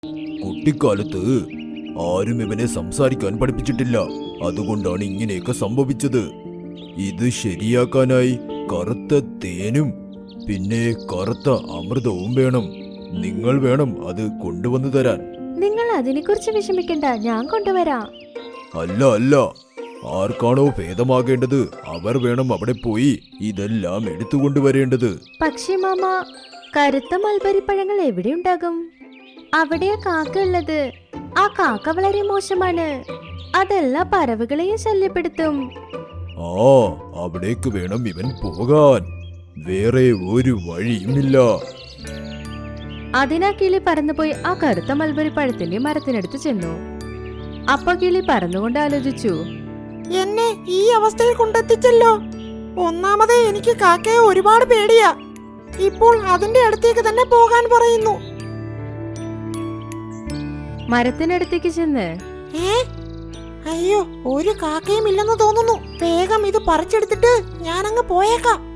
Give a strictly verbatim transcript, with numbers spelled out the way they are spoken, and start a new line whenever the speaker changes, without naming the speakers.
കുട്ടിക്കാലത്ത് ആരും ഇവനെ സംസാരിക്കാൻ പഠിപ്പിച്ചിട്ടില്ല. അതുകൊണ്ടാണ് ഇങ്ങനെയൊക്കെ സംഭവിച്ചത്. ഇത് ശരിയാക്കാനായി കറുത്ത തേനും പിന്നെ കറുത്ത അമൃതവും വേണം. നിങ്ങൾ വേണം അത് കൊണ്ടുവന്നു തരാൻ.
നിങ്ങൾ അതിനെക്കുറിച്ച് വിഷമിക്കണ്ട, ഞാൻ കൊണ്ടുവരാം.
അല്ല അല്ല, ആർക്കാണോ ഭേദമാകേണ്ടത് അവർ വേണം അവിടെ പോയി ഇതെല്ലാം എടുത്തുകൊണ്ടുവരേണ്ടത്.
പക്ഷേ മാമ, കറുത്ത മൽബരിപ്പഴങ്ങൾ എവിടെ ഉണ്ടാകും? അവിടെയാ കാക്ക ഉള്ളത്. ആ കാക്ക വളരെ മോശമാണ്. അതെല്ലാ പറവുകളെയും ശല്യപ്പെടുത്തും.
ആ, അവിടേക്ക് വേണം ഇവൻ പോകാൻ. വേറെ ഒരു വഴിയുമില്ല.
അതിനാ കിളി പറന്നുപോയി ആ കറുത്ത മൽബരി പഴത്തിന്റെ മരത്തിനടുത്ത് ചെന്നു. അപ്പൊ കിളി പറന്നുകൊണ്ട് ആലോചിച്ചു,
എന്നെ ഈ അവസ്ഥയിൽ കൊണ്ടെത്തിച്ചല്ലോ. ഒന്നാമതേ എനിക്ക് കാക്കയെ ഒരുപാട് പേടിയാ. ഇപ്പോൾ അതിന്റെ അടുത്തേക്ക് തന്നെ പോകാൻ പറയുന്നു.
മരത്തിനടുത്തേക്ക് ചെന്ന്,
ഏ അയ്യോ, ഒരു കാക്കയും ഇല്ലെന്ന് തോന്നുന്നു. വേഗം ഇത് പറിച്ചെടുത്തിട്ട് ഞാനങ്ങ് പോയേക്കാം.